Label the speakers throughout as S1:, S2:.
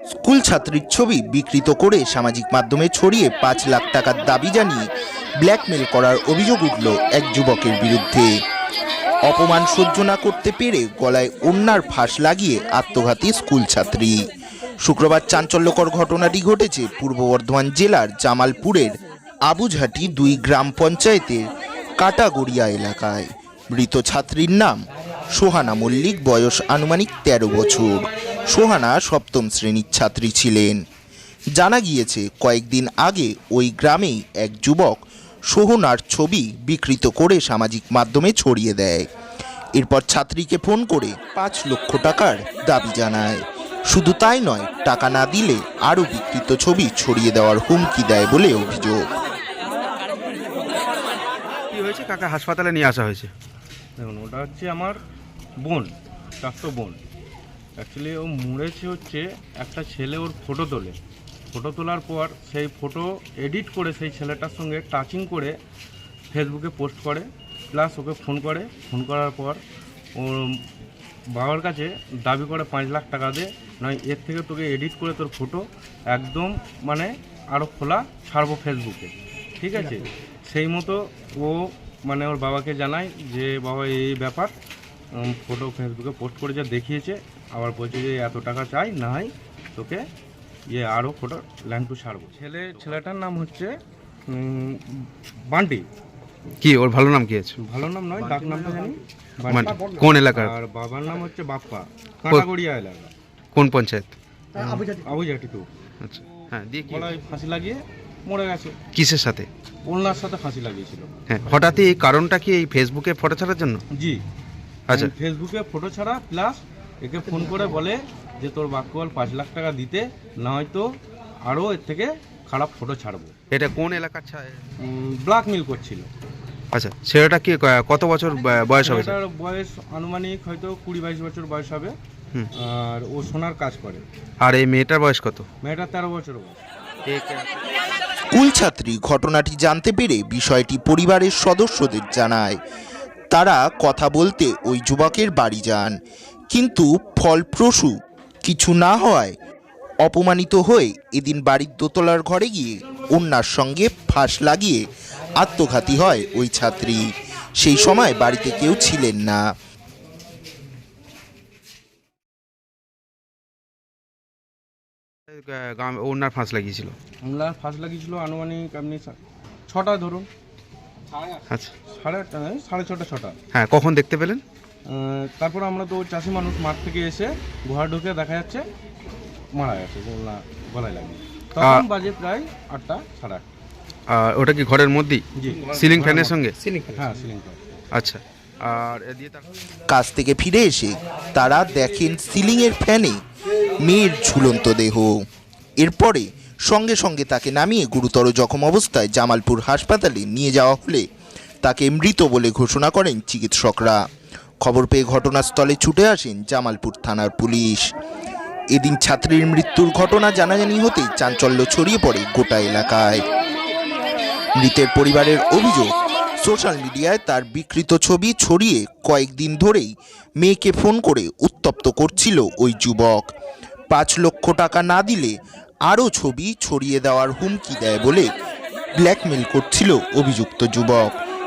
S1: School ছাত্রীর ছবি বিকৃত করে সামাজিক মাধ্যমে ছড়িয়ে ৫ লাখ টাকার দাবি জানিয়ে ব্ল্যাকমেল করার অভিযোগ উঠল এক যুবকের বিরুদ্ধে। অপমান সহ্য না করতে পেরে গলায় ওড়নার ফাঁস লাগিয়ে আত্মঘাতী স্কুল ছাত্রী। শুক্রবার চাঞ্চল্যকর ঘটনাটি ঘটেছে পূর্ব বর্ধমান জেলার জামালপুরের আবুঝাটি ২ গ্রাম পঞ্চায়েতের কাটাগড়িয়া এলাকায়। মৃত ছাত্রীর নাম সোহানা মল্লিক, বয়স আনুমানিক ১৩ বছর। সোহানা সপ্তম শ্রেণীর ছাত্রী ছিলেন। জানা গিয়েছে কয়েকদিন আগে ওই গ্রামেই এক যুবক সোহনার ছবি বিকৃত করে সামাজিক মাধ্যমে ছড়িয়ে দেয়। এরপর ছাত্রীকে ফোন করে ৫ লক্ষ টাকার দাবি জানায়। শুধু তাই নয়, টাকা না দিলে আরও বিকৃত ছবি ছড়িয়ে দেওয়ার হুমকি দেয় বলে অভিযোগ।
S2: কি হয়েছে, কাকা হাসপাতালে নিয়ে আসা হয়েছে?
S3: দেখুন, ওটা হচ্ছে আমার বোন, চাচাতো বোন। অ্যাকচুয়ালি ও মরেছে হচ্ছে একটা ছেলে ওর ফটো তোলার পর সেই ফটো এডিট করে সেই ছেলেটার সঙ্গে টাচিং করে ফেসবুকে পোস্ট করে, প্লাস ওকে ফোন করার পর ওর বাবার কাছে দাবি করে ৫ লাখ টাকা দে, নয় এর থেকে তোকে এডিট করে তোর ফটো একদম মানে আরও খোলা ছাড়বো ফেসবুকে, ঠিক আছে? সেই মতো ও মানে ওর বাবাকে জানায় যে বাবা এই ব্যাপার, ফটো ফেসবুকে পোস্ট করে যা দেখিয়েছে, আবার বলছে যে এত টাকা চাই, না হয় তোকে আরও ফটো ল্যান্ড টু ছাড়বো। ছেলেটার নাম হচ্ছে বান্টি।
S2: কি ওর ভালো নাম কি আছে?
S3: ভালো নাম নয়, ডাক নামটা জানি।
S2: বান্টি কোন এলাকার?
S3: আর বাবার নাম হচ্ছে বাপ্পা, কাটাগড়িয়া এলাকা।
S2: কোন পঞ্চায়েত?
S3: আবুঝাটি টু।
S2: আচ্ছা, হ্যাঁ, দিয়ে কি
S3: গলায় ফাঁসি লাগিয়ে মরে গেছে।
S2: কিসের সাথে?
S3: ওনার সাথে ফাঁসি লাগিয়েছিল।
S2: হ্যাঁ, হঠাৎই এই কারণটা কি এই ফেসবুকে ফটো ছাড়ার জন্য?
S3: জি,
S2: আচ্ছা,
S3: ফেসবুকে ফটো ছাড়া, প্লাস একে ফোন করে বলে যে তোর বাক্যবল ৫ লাখ টাকা দিতে, না হয়তো আরও এর থেকে খারাপ ফটো ছাড়বো।
S2: এটা কোন এলাকার?
S3: ব্ল্যাকমেল করছিল।
S2: আচ্ছা, ছেলেটা কি কত বছর বয়স হবে?
S3: এটার বয়স আনুমানিক হয়তো ২০-২২ বছর বয়স হবে। আর ও সোনার কাজ করে।
S2: আর এই মেয়েটার বয়স কত?
S3: মেয়েটা ১৩ বছর বয়স।
S1: স্কুল ছাত্রী ঘটনাটি জানতে পেরে বিষয়টি পরিবারের সদস্যদের জানায়। তারা কথা বলতে ওই যুবকের বাড়ি যান, কিন্তু ফলপ্রসূ কিছু না হওয়ায় অপমানিত হয়ে এদিন বাড়ির দোতলার ঘরে গিয়ে ওড়নার সঙ্গে ফাঁস লাগিয়ে আত্মঘাতী হয় ওই ছাত্রী। সেই সময় বাড়িতে কেউ ছিলেন না।
S2: ওনার ফাঁস লাগিয়েছিল?
S3: ওনার ফাঁস লাগিয়েছিল আনুমানিক আপনি ৬টা ধরুন।
S2: আচ্ছা,
S3: সাড়ে ৬টা।
S2: হ্যাঁ, কখন দেখতে পেলেন?
S3: তারপর আমরা তো চাষি মানুষ, মাঠ থেকে এসে ঘর ঢুকে দেখা যাচ্ছে মারা গেছে, গলায় লাগিয়ে। তখন বাজে প্রায় ৮টা, সাড়ে ৮টা।
S2: ওটা কি ঘরের মধ্যেই?
S3: জি,
S2: সিলিং ফ্যানের সঙ্গে?
S3: হ্যাঁ, সিলিং ফ্যান।
S2: আচ্ছা, আর এদিকে
S1: কাজ থেকে ফিরে এসে তারা দেখেন সিলিংয়ের ফ্যানে মেয়ের ঝুলন্ত দেহ। এরপরে সঙ্গে সঙ্গে তাকে নামিয়ে গুরুতর জখম অবস্থায় জামালপুর হাসপাতালে নিয়ে যাওয়া হলে তাকে মৃত বলে ঘোষণা করেন চিকিৎসকরা। খবর পেয়ে ঘটনাস্থলে ছুটে আসেন জামালপুর থানার পুলিশ। এদিন ছাত্রীর মৃত্যুর ঘটনা জানাজানি হতেই চাঞ্চল্য ছড়িয়ে পড়ে গোটা এলাকায়। মৃতের পরিবারের অভিযোগ, সোশ্যাল মিডিয়ায় তার বিকৃত ছবি ছড়িয়ে কয়েকদিন ধরেই মেয়েকে ফোন করে উত্তপ্ত করছিল ওই যুবক। ৫ লক্ষ টাকা না দিলে আরও ছবি ছড়িয়ে দেওয়ার হুমকি দেয় বলে ব্ল্যাকমেল করছিল অভিযুক্ত যুবক।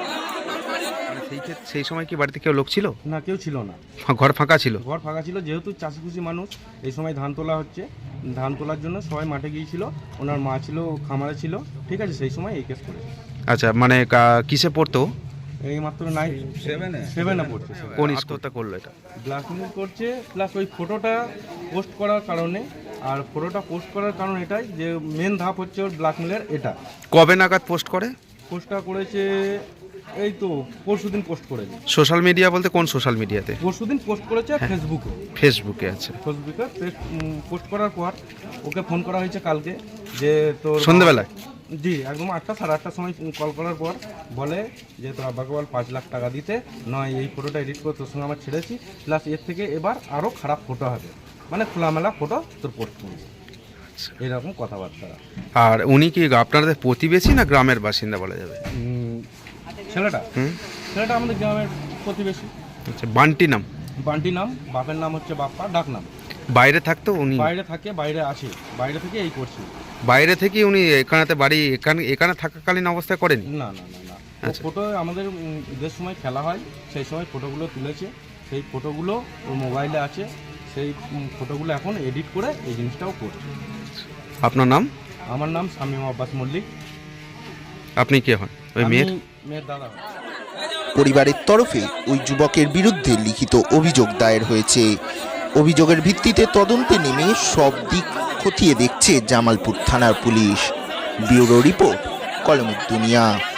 S2: সেই সময় কি বাড়িতে কেউ লোক ছিল?
S3: না, কেউ ছিল না।
S2: ঘর ফাঁকা ছিল?
S3: ঘর ফাঁকা ছিল, যেহেতু চাষিখুশি মানুষ, এই সময় ধান তোলা হচ্ছে, ধান তোলার জন্য সবাই মাঠে গিয়েছিল। ওনার মা ছিল খামারে ছিল, ঠিক আছে? সেই সময় এই কেস করেছে।
S2: আচ্ছা, মানে কিসে পড়তো?
S3: এই মাত্র 7-এ পড়ছে।
S2: কোন আত্মহত্যা করলো এটা?
S3: ব্ল্যাকমেল করছে, প্লাস ওই ফটোটা পোস্ট করার কারণে। আর ফটোটা পোস্ট করার কারণ এটাই যে মেন ধাপ হচ্ছে ওর ব্ল্যাকমেলের। এটা
S2: কবে নাগাদ পোস্ট করে?
S3: পোস্টটা করেছে এই তো পরশুদিন পোস্ট করেছে।
S2: সোশ্যাল মিডিয়া বলতে কোন সোশ্যাল মিডিয়াতে?
S3: পরশুদিন পোস্ট করেছে ফেসবুকে।
S2: ফেসবুকে? আচ্ছা,
S3: ফেসবুকে পোস্ট করার পর ওকে ফোন করা হয়েছে কালকে, যে তোর
S2: সন্ধ্যাবেলায়?
S3: জি, একদম ৮টা, সাড়ে ৮টার সময় কল করার পর বলে যে তোর আব্বাকে বল ৫ লাখ টাকা দিতে, নয় এই ফটোটা এডিট করে তোর সঙ্গে আমার ছেড়েছি, প্লাস এর থেকে এবার আরও খারাপ ফটো হবে, মানে খোলামেলা ফটো তোর পোস্ট করবি, এরকম কথাবার্তা।
S2: আর উনি কি আপনাদের প্রতিবেশী না গ্রামের বাসিন্দা বলা যাবে?
S3: ছেলেটা আমাদের গ্রামের প্রতিবেশী।
S2: আচ্ছা, বান্টি নাম?
S3: বান্টি নাম, বাপের নাম হচ্ছে বাপ্পা, ডাক নাম।
S2: বাইরে থাকতো উনি?
S3: বাইরে থাকে, বাইরে আছে, বাইরে থেকে এই করছে।
S2: বাইরে থেকে উনি এখানেতে বাড়ি এখানে থাকাকালীন অবস্থায় করেন?
S3: না না না না,
S2: আচ্ছা।
S3: ফটো আমাদের ঈদের সময় খেলা হয়, সেই সময় ফটোগুলো তুলেছে, সেই ফটোগুলো ওর মোবাইলে আছে, সেই ফটোগুলো এখন এডিট করে এই জিনিসটাও করছে।
S2: আপনার নাম?
S3: আমার নাম শামীম আব্বাস মল্লিক।
S2: আপনি কে হন? ওই
S3: আমি
S2: মেয়ের?
S3: মেয়ের দাদা।
S1: পরিবারের তরফে ওই যুবকের বিরুদ্ধে লিখিত অভিযোগ দায়ের হয়েছে। অভিযোগের ভিত্তিতে তদন্তে নেমে সব দিক খতিয়ে দেখছে জামালপুর থানার পুলিশ। ব্যুরো রিপোর্ট, কলমের দুনিয়া।